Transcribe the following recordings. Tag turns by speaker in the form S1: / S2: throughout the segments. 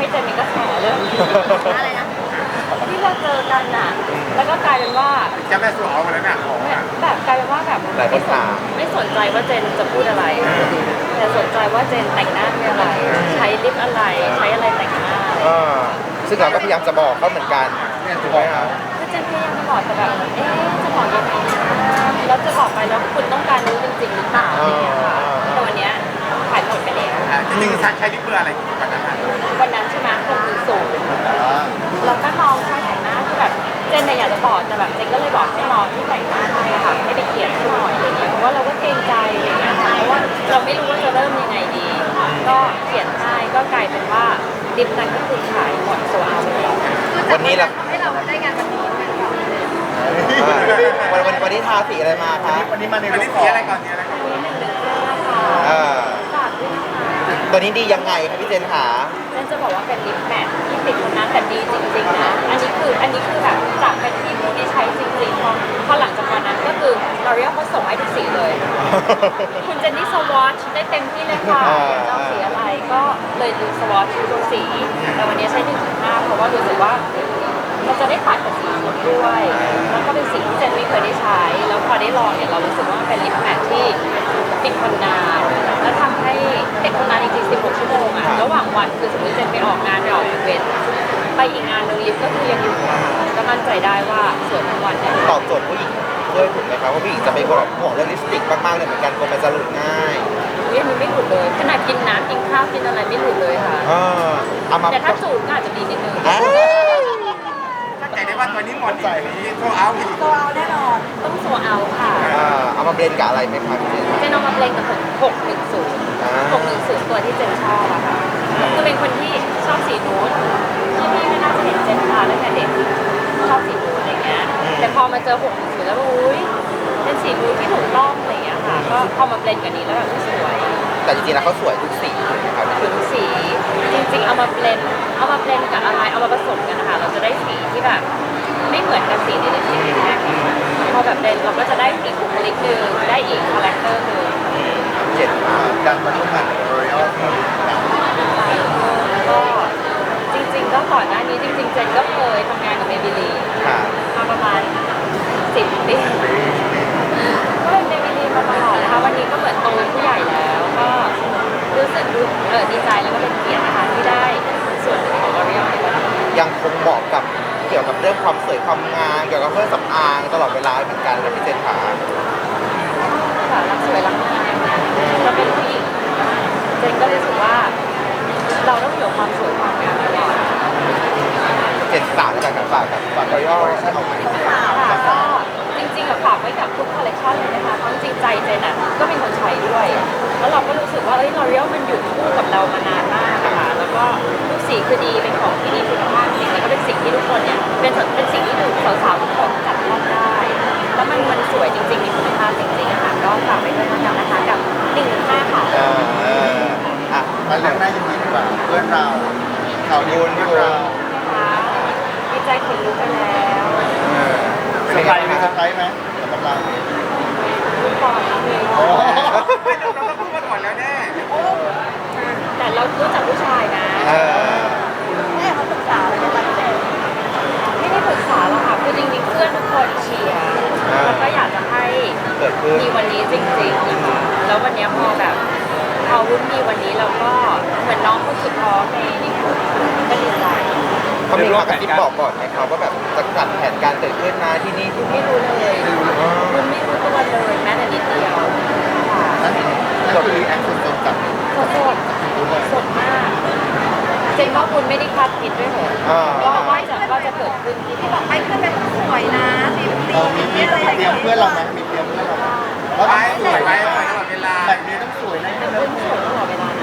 S1: เจนนี่ก็แฉเรื่องอะไรนะที่เราเจอกันน่ะแล้วก็กลายเป็นว่า
S2: จะแม่สู่เอาแล้วเนี่ยของ
S1: แบบกลายเป็นว่าแบบไม่สนใจว่าเจนจะพูดอะไรแต่สนใจว่าเจนแต่งหน้าด้วยอะไรใช้ลิปอะไรใช้อะไรแต่งหน้า
S3: ซึ่งเราก็พยายามจะบอกเขาเหมือนกันถูกไหมครับ
S1: คือเจนพยายามจะบอกแต่แบบจะบอกยังไงแล้วจะบอกไปแล้วคุณต้องการรู้จริงๆหรือเปล่าอะไรอย่างเงี้ยค่ะแต่วันเนี้ยขายหมดไปแล้ว
S2: จริงๆใช้ลิปเบอร์อะไร
S1: วันนั้นใช่ไหม610แล้วก็น้องใช้แต่งหน้าคือแบบเจนเนี่ยอยากจะบอกแต่แบบเจนก็เลยบอกให้น้องที่แต่งหน้าให้ค่ะให้ไปเขียนให้หน่อยอะไรเงี้ยเพราะว่าเราก็เกรงใจอะไรเงี้ยเพราะว่าเราไม่รู้ว่าจะเริ่มยังไงดีก็เขียนให้ก็กลายเป็นว่าลิปนั้นก็คือขายหมดโซเอาไปแล้ว
S3: วันนี้เรา
S1: ให้เราได้งานวันนี้
S3: วันนี้ทาสีอะไรมาคะ
S2: วันนี้มาในรูปสีอะไรก่อนสีอะไรก่อน
S1: ฝากด้วยนะคะ
S3: ตัวนี้ดียังไงครับพี่เจนขา
S1: เจนจะบอกว่าเป็นลิปแมทที่ติดคนนั้นแต่ดีจริงๆนะอันนี้คือแบบจากเป็นที่ผู้ที่ใช้จริงๆพอหลังจากวันนั้นก็คือ L'Oreal เขาส่งให้ทุกสีเลยคุณเจนนี่สวอชได้เต็มที่เลยค่ะจะเอาสีอะไรก็เลยดูสวอชทุกสีแต่วันนี้ใช้ 1.5 เพราะว่ารู้สึกว่ามันจะได้ตัดกับสีสดด้วยแล้วก็เป็นสีที่เจนไม่เคยได้ใช้แล้วพอได้ลองเนี่ยเรารู้สึกว่ามันเป็นลิปแมทที่ติดคนนานแล้วทำให้ติดคนนานจริงๆ16 ชั่วโมงอะระหว่างวันคือสมมติเจนไปออกงานไปออกอีเวนต์ไปอีกงานนึงลิปก็คือยังอยู่ก็มั่นใจได้ว่าสวยทั้งวันเนี่ย
S3: ตอบโจทย์ผู้หญิงด้วยถูกไหมครับว่าผู้หญิงจะเป็นคนแบบห่วงเรื่องลิปสติกมากๆเลยเหมือนกันกลัวมันจะหลุดง่าย
S1: อันนี้ไม่หลุดเลยขนาดกินน้ำกินข้าวกินอะไรไม่หลุดเลยค่ะแต่ถ้าจูบก็อาจจะมีนิดนึง
S2: ใจได้ว่าตัวนี้หมดใจนี้โซเอา
S1: โซเอาแน่นอนต้องโซเอาค่ะ
S3: เอามาเบลนกับอะไรไหมครับเ
S1: จนเอามาเบลนกับ610ตัวที่เจนชอบอะค่ะคือเป็นคนที่ชอบสีนูดพี่ไม่น่าจะเห็นเจนมาตั้งแต่เด็กชอบสีนูดอะไรเงี้ยแต่พอมาเจอ610แล้วอุ้ยเป็นสีนูดที่ถูกต้องอะไรเงี้ยค่ะก็พอมาเบลนกับนี้แล้วแบบสวย
S3: แต่จริงๆแล้วเขาสวยทุกสีครับ
S1: ทุกสีจริงๆเอามาเบลนกับอะไรเอามาผสมกันนะคะเราจะได้สีที่แบบไม่เหมือนกับสีในสีแรกพอแบบเบลนเราก็จะได้อีกบุคลิกหนึ่งได้อีกคาแรคเตอร์หนึ่ง
S3: เจ็ดการมาร่วมงานกับ L'Oreal
S1: ก็จริงๆก็ก่อนหน้านี้จริงๆเจนก็เคยทำงานกับ Maybelline มาประมาณ10 ปีก็เป็น Maybelline มาตลอดนะคะวันนี้ก็เหมือนโตเป็นผู้ใหญ่แล้วก็รู้สึกดีใจแล้วก็เป็นเกียรตินะคะที่ได้ส่วนหนึ่งของ L'Oreal ในวันนี้
S3: ยังคงเหมาะกับเกี่ยวกับเรื่องความสวยความงามเกี่ยวกับเครื่องสำอางตลอดเวลาเหมือนกันนะพี่เจนขา
S1: รักสวยรักงามเราเป็นผู้หญิงเจนก็รู้สึกว่าเราต้องอยู่ความสวยความงามตลอด
S3: เจนสาวแล้วกันฝากL'Orealให้ออกมา
S1: ก็จริงๆฝากไว้กับทุกคอลเลคชันเลยนะคะเพราะจริงใจเจนก็เป็นคนใช้ด้วยแล้วเราก็รู้สึกว่าL'Orealมันอยู่คู่กับเรามานานมากค่ะแล้วก็ทุกสีคือดีเป็นของที่ดีคุณภาพจริงแล้วก็เป็นสิ่งที่ทุกคนเนี่ยเป็นสิ่งที่สาวๆทุกคนจับต้องได้แล้วมันสวยจริงๆมีคุณภาพจริงๆค่ะก็ฝากไปด้วยนะคะกับ1.5ค่ะ
S3: มาเรื่องหน้ายังดีกว่าเพื่อนเราข่าวบุญพี่เรา
S1: ดีใจขนลุกไปแล้ว
S3: เซอร์ไพรส์ไหมสำหรับเรา
S1: ทุกคน
S2: ไม่เราก็พูดมาก่อนแล้วแน่
S1: แต่เรารู้จักผู้ชายนะแม่เขาปรึกษาอะไรในวันเด็กไม่ได้ปรึกษาหรอกค่ะคือจริงๆเพื่อนทุกคนเชียร์แล้วก็อยากจะให้มีวันนี้จริงๆนะคะแล้ววันนี้พอวุ้นมีวันนี้เราก็เหมือนน้องคนสุดท้องในกลุ่มก็ดีใจ
S3: เขามีมากระซิบบอกก่อนไหมครับว่าแบบจะจัดแผนการเกิดขึ้นนะที่นี่
S1: ไม่รู้เลยวุ้นไม่รู้ตัวเลยแม้แต่นิดเดียว
S3: ก็คือแอคชั่นสดจัด
S1: สดมากเจนว่าวุ้นไม่ได้คาดคิดด้วยเหรอว่าจะเกิดขึ้นที่บอกไปเพื่อนเป็นสวยนะ
S3: มีเตรียมเพื่อนเราไหมมีเตรียมเพื่อนเรา
S2: ไปสวยไปตลอดเวลา
S3: แบบนี้ต้องสวยนะ
S1: เพื่อนสวยตลอดเวลา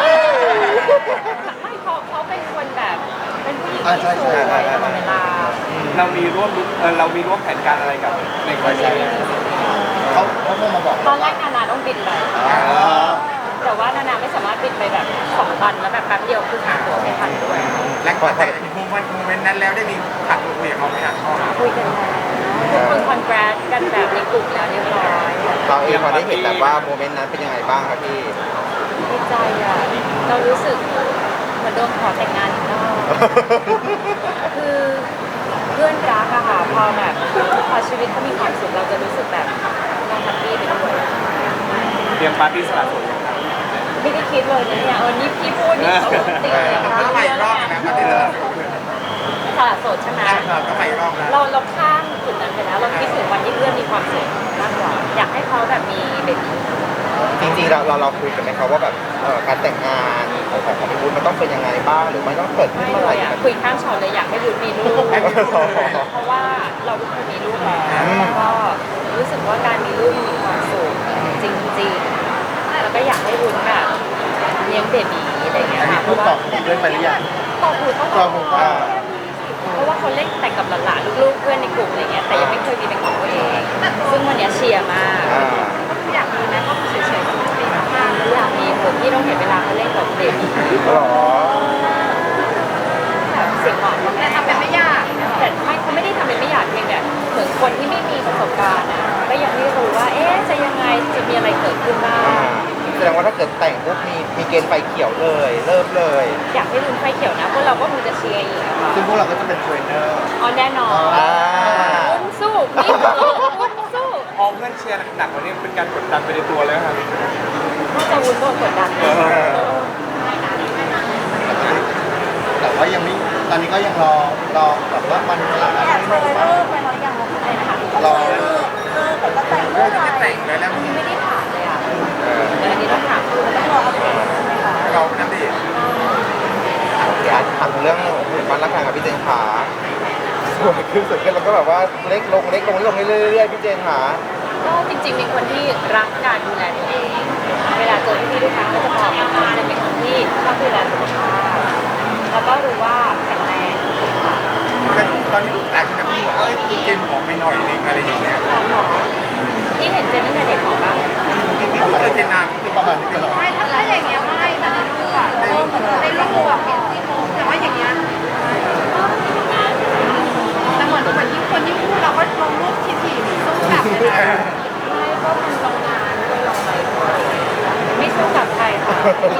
S1: ไม่เขาเป็นคนแบบเป็นผู้หญิงที่สวยตลอดเวลา
S2: เรามีร่วมแผนการอะไรกับในคอนเสิร์ต
S3: เขาเพิ่งมาบอก
S1: ตอนแรกนาต้องบินไปแต่ว่านาไม่สามารถบินไปแบบ2 วันแล้วแบบแป๊บเดียวคือหาตั๋วไม่ทันด้วย
S2: และก่อนแต่โมเมนต์นั้นแล้วได้มีขัดคุยกับเขาไหมครับ
S1: คุยกันแล้วทุกคนคอนแกรสกันแบบในกลุ่มแล้วเรียบร้อย
S3: เราเองพอได้เห็นแบบว่าโมเมนต์นั้นเป็นยังไงบ้างครับพี่
S1: ดีใจอ่ะเรารู้สึกเหมือนโดนขอแต่งงานอีกรอคือเพื่อนรักอะค่ะพอแบบพอชีวิตเขามีความสุขเราจะรู้สึกแบบเราแฮปปี้ไปด้วย
S2: เตรียมปาร์ตี้สละโสดยังครับ
S1: ไม่ได้คิดเลยนะเนี่ยนี่พี่พูดนี่ปกติเลยนะ
S3: ก็ไปรอบนะก็ได้เลย
S1: สละโสดใช่ไหม
S3: ก็ไปรอบแล้ว
S1: เราข้ามจุดนั้นไปแล้วเราคิดถึงวันที่เพื่อนมีความสุขมากกว่าอยากให้เขาแบบมีเบบี
S3: จริงๆเราคุยกันไหมครับว่าแบบการแต่งงานของพี่วุฒิมันต้องเป็นยังไงบ้างหรือมันต้องเกิดขึ้น
S1: ไม่
S3: เมื่อ
S1: เล
S3: ไหร่
S1: ยอะคุยข้ามช็อตเลยอยากให้บุญมีลูกเพราะว่าเราทุกคนมีลูกแล้วแล้วก็รู้สึกว่าการมีลูกมีความสุขจริงๆแล้วก็อยากให้บุญแบบเลี้ยงเบบีอะไรอย่างเงี้ยค่ะเพราะว่า
S3: ด้วยไปหรือยัง
S1: ตอบหูต้องตอบหูเพราะว่าเขาเล่นแต่กับหลานๆลูกๆเพื่อนในกลุ่มอะไรเงี้ยแต่ยังไม่เคยมีเป็นของตัวเองซึ่งวันเนี้ยเชียร์มาก อยากมีไหมก็เฉยๆก็ไม่มากๆอยากมีผมที่ต้องเห็นเวลาเขาเล่นกับเด็ก
S3: หรอ
S1: แบบเสียงหวานแต่ทำเป็นไม่ยากแต่ไม่เขาไม่ได้ทำเป็นไม่อยากเพียงแต่เหมือนคนที่ไม่มีประสบการณ์อ่ะก็ยังไม่รู้ว่าเอ๊ะจะยังไงจะมีอะไรเกิดขึ้นบ้าง
S3: แสดงว่าถ้าเกิดแต่งปุ๊บมีเกณฑ์ไฟเขียวเลยเริ่มเลย
S1: อยากให้ลุ้นไฟเขียวนะพวกเราก็คงจะเชียร์อีกอะค่ะ
S3: ซึ่งพวกเราก็จะเป็นเทรนเนอร์
S1: อ๋อแน่นอนลุ้นสู้นี่ลุ้นสู้
S2: พอเพื่อนเชียร์หนักๆวันนี้เป็นการกดดันไปในตัวเลยครับ
S1: น่าจะวุ้นโดนกดดัน
S3: แต่ว่ายังไม่ตอนนี้ก็ยังรอแบบว่ามันเวลาอะไร
S1: เคยเลิกไปแล้วยังอะไรนะคะ
S3: รอ
S1: เลิกแต่ก็แต่งเมื่อไหร่
S3: แต่งแล้วนะ
S1: ไม่ได้ถามเลยอ่ะเดี๋ยวอันนี้ต้องถามคือต้องรออัปเดตใช่ไหมคะ
S3: เรานั่นดิอยากถามเรื่องมันรักกันกับพี่เจนขาสวยขึ้นแล้วก็แบบว่าเล็กลงเรื่อยๆพี่เจนขา
S1: ก็จริงๆเป็นคนที่รักการดูแลตัวเอง เวลาเจอพี่ๆทุกครั้งก็จะบอกว่าจะเป็นคนที่ชอบดูแลสุขภาพแล้วก็รู้ว่าแข็งแรงค่ะ
S3: ตอนนี้ลูกหลานจะพี่บอกว่าคุณเจนผอมไปหน่อยนึงอะไรอย่างเงี้ย
S1: หมอที่เห็นเจนตั้งแต่เด็กของบ้าง
S3: เจนนานประมาณนี้ตลอด
S4: ไม่ถ้าอย่างเงี้ยไม่แต่ในรูปอะในรูปอะเห็นที่โพสแต่ว่าอย่างเงี้ยแต่เหมือนที่คนที่พูดเราก็ลงรูปถี่ๆสู้กลับเลยนะ
S1: ไม่ก็ทำโรงงานด้วยลงไปด้วยไม่สู้กับใครค่ะ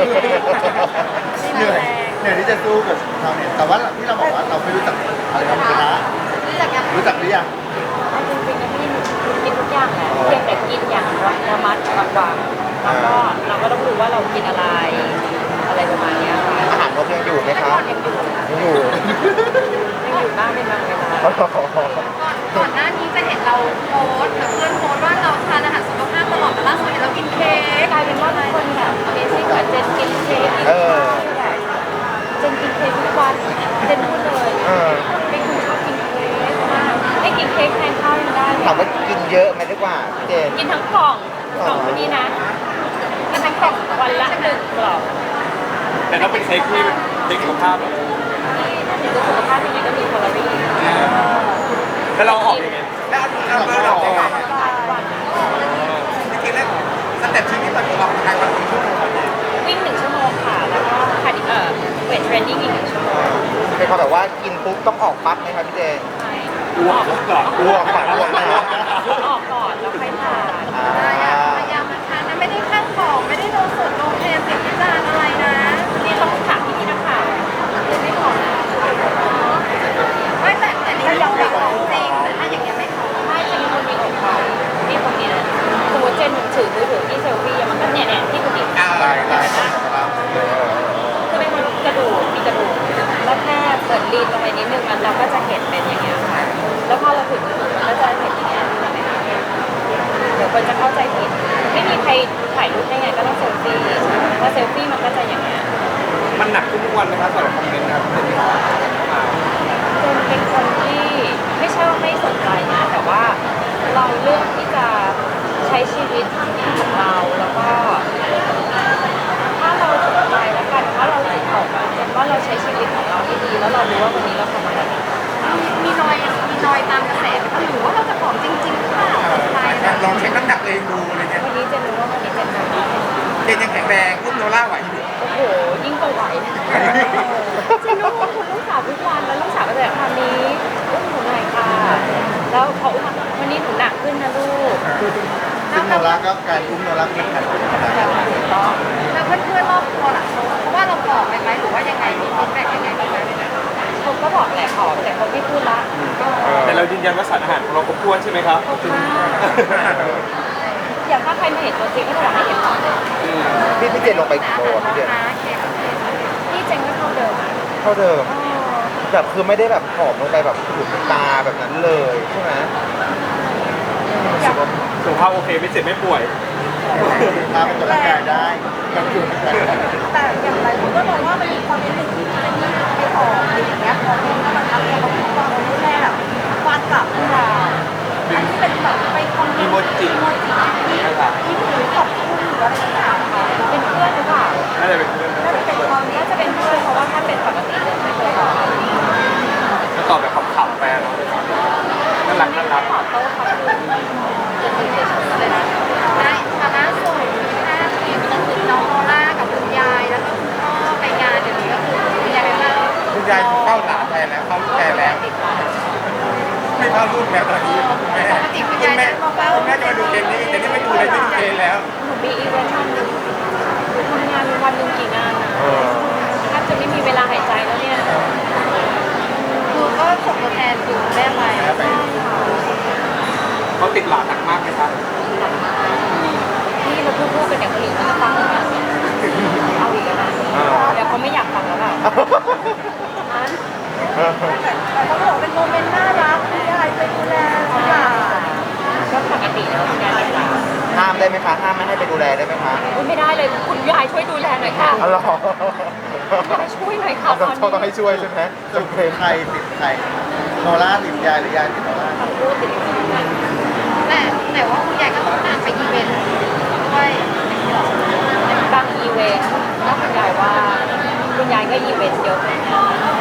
S3: เหนื่อยที่จะสู้กับเราเนี่ยแต่ว่าที่เราบอกว่าเราไม่รู้จักอะไรกันนะ
S4: รู้จักยัง
S3: รู้จักหรือยัง
S1: จริงๆนะพี่กินทุกอย่างแหละเพียงแต่กินอย่างระมัดระวังแล้วก็เราก็ต้องรู้ว่าเรากินอะไรประมาณเนี้ยค่ะ
S3: อาหารนกยังอยู่ไหม
S1: แต่
S3: ครั
S1: ก่
S3: บ
S1: อนยังอยู่
S3: ยังอยู่
S1: บ้างเป็นบางเวลา
S4: ก่อนหน้านี้จะเห็นเราโพสหรือเพื่อนโพสว่าเราทานอาหารสุขภาพตลอดแต่ล่าสุดเห็นเรากินเค้ก
S1: กลายเป็นว่าทุกคนแบบ Amazing แบบเจนกินเค้กกินข้าวแบบเจนกินเค้กทุกวันเจนพูดเลยเป็นคนชอบกินเค้กมากให้กินเค้กแทนข้าวยังได้เลย
S3: ถามว่ากินเยอะไหมดีกว่าพี่เจน
S1: กินทั้งกล่องคนนี้นะกินทั้งกล่องวันละ1 กล่อง
S2: แต่ถ้าเป็นเค้กที่เค้กสุขภาพอะ
S1: ที่ถ้าถึงจะสุขภาพยังไงก็มีแคลอรี่
S2: แล้วเราออกยังไง
S3: แล้วเราออกยังไง
S1: วัน
S3: จริงๆแล้วสเต็ปชีวิตตอนนี้ออกกำลังกายวันกี่ชั่วโมงครับเนี่ย
S1: วิ่ง1 ชั่วโมงค่ะ แล้วก็คาร์ดิเวทเทรนนิ่งอีก1 ชั่วโมง
S3: เป็นความแบบว่ากินปุ๊บต้องออกปั๊บไหมครับพี่เจน
S1: ใช่
S2: อ้วกก่อน
S3: อ้วกก่อนอ้วกนะ
S1: ออกก่อนแล้วค่อยทาน
S4: พยายามนะคะนะไม่ได้ข้างของไม่ได้โดนสดโดนเทสิ่งที่จานอะไรนะ
S1: นี่ต้องถามพี่นักข่าวไม่พอนะ
S4: ไม่แต่นี่ยังไม่ของจริงแต่ถ้าอย่างเงี้ยไม่ของ
S1: ไม่จะมีคนมีอกเขานี่คนนี้นะสมมติเจนถือมือถือที่เซลฟี่มันก็เนี่ยที่คุณดิ
S3: ได้ได้
S1: คือเป็นคนกระดูกมีกระดูกแล้วแค่เปิดลีนลงไปนิดนึงมันเราก็จะเห็นเป็นอย่างเงี้ยค่ะแล้วพอเราถึงมันก็จะเห็นอย่างเงี้ยใช่ไหมคะเดี๋ยวคนจะเข้าใจผิดไม่มีใครถ่ายรูปได้ไงก็ต้องเซลฟี่พอเซลฟี่มันก็จะอย่างเงี้ย
S2: มันหนักขึ้นทุกวันนะครับสำหรับคอมเมนต์นะครับ
S1: เจนเป็นคนที่ไม่ใช่ว่าไม่สนใจนะแต่ว่าเราเลือกที่จะใช้ชีวิตของเราแล้วก็ถ้าเราสนใจแล้วกันถ้าเราจิตตกอะเจนว่าเราใช้ชีวิตของเราให้ดีแล้วเรารู้ว่าวันนี้เราทำอะไร
S4: มีนอยตามกระแสไหมคะหรือว่าเราจะของจริงๆหรือเปล่าใช่นะ
S3: ลองเช็คน้ำหนักเองดูอะไรเงี้ย
S1: วันนี้เจนรู้ว่าวันนี้เจนทำได้
S3: เจนยังแข็งแรงอุ้มโนล่าไหวอยู่
S1: โอ้โหยิ่งกว่าไหวเจนรู้ว่าคุณลูกสาวทุกวันแล้วลูกสาวก็จะแบบทำนี้อุ้มหนูหน่อยค่ะแล้วเขาอุ้มมาวันนี้หนูหนักขึ้นนะลูก
S3: ซึ่งโนล่าก็การอุ้มโนล่าเป็นแผ่น
S1: ถูกต้อง
S4: แล้วเพื่อนๆรอบตัวล่ะเพราะว่าเราบอกไปไหมหรือว่ายังไงมีฟีดแบ็กยังไงบ้างไหม
S1: เขาก็บอกแหละขอแต่เขาไม่พูดละก็
S2: แต่เรายืนยันว่าสารอาหารของเราครบถ้วนใช่ไหมครับ
S1: ขอบคุณมากอย่างถ้าใครมาเห็นตัวจริงก็จะอยากให้เห็นก่อน
S3: พี่เจนลงไปกี่โลอะพี่เจน
S1: นี่เจงก็เท่าเดิม
S3: เท่าเดิมแบบคือไม่ได้แบบผอมลงไปแบบขุ่นตาแบบนั้นเลยใช่ไหม
S2: สุขภาพโอเคไม่เจ็บไม่ป่วย
S3: ตาเป็นตัวร่างกายได้กับอยู่
S4: แต่อย่างไรคนก็มองว่ามันมีความเป็นหนึ่งที่ไม่ไปออกอะไรอย่างเงี้ยพอเป็นแล้วมันทำให้เราต้องรู้แน่แบบฟาดกลับขึ้นมาอันที่เป็นแบบไปคอมเมนต์
S2: อีโมจิ
S4: ที่ถือขอบคุณหรืออะไรต่างๆค่ะ
S1: เป็นเพื่อนหรือเปล่า
S2: น่าจะเป็นเพื่อน
S4: น่าจะเป็นความ
S1: น่าจะเป็นเพื่อนเพราะว่าถ้าเป็นปกติเลยไม่เคยบอก
S2: จะตอบแบบขำๆไปเนาะน่ารักน่ารัก
S1: ขอโต้ขอบคุณจะตื่นเฉยๆเลยนะ
S4: ได้มาล่าสุดถ้าทีมก็คือน้องโอล่ากับคุณยายแล้วก็คุณพ่อไปงานเดี๋ยวนี้ก็คือคุณยายไปเล่า
S3: คุณยายเข้าหลานแทนแล้วเข้าลูกแทนแล้ว ไม่เข้าลูกแล้วตอนนี้แม่
S4: ปกติคุณยายจะมาเล่า
S3: แม่จะมาดูเกมนี้แต่นี่ไม่ดูเลยไม่ดูเกมแล้ว
S1: หนูมีอีเวนต์วันหนึ่งหนูทำงานวันหนึ่งกี่งานนะแทบจะไม่มีเวลาหายใจแล้วเนี่ย
S4: คือก็ส่งตัวแทนคือแม่ไป
S2: เขาติดหลานหนักมากไหมครับ
S1: นี่เราพูดกันอย่างคนอื่นเขาจะฟังนะเอาอีกแล้วนะเดี๋ยวเขาไม่อยากฟังแล้วเปล่าอัน
S4: แต่เขาบอกเป็นโมเมนต์น่ารักคุณยายไปดูแลทุกอย่าง
S1: ก็ปกติแล้วคุณยายเป็นหลาน
S3: ห้ามได้ไหมคะห้ามไม่ให้ไปดูแลได้ไหมคะ
S1: อุ๊ยไม่ได้เลยคุณยายช่วยดูแลหน่อยค่ะ
S3: อ๋อเหรอ
S1: คุณยายช่วยหน่อยค่ะตอน
S3: ต้องให้
S1: นี้
S3: ช่วยใช่ไหมจนเพลงใครติดใครโนล่าติดยายหรือยายติดโนล่า
S1: ทั้งคู่ติดกัน
S4: แต่ว่าคุณยายก็ต้องตามไปอีเวนต์ด้วย
S1: บางอีเวนต์ถ้าคุณยายว่าคุณยายก็อีเวนต์เยอะ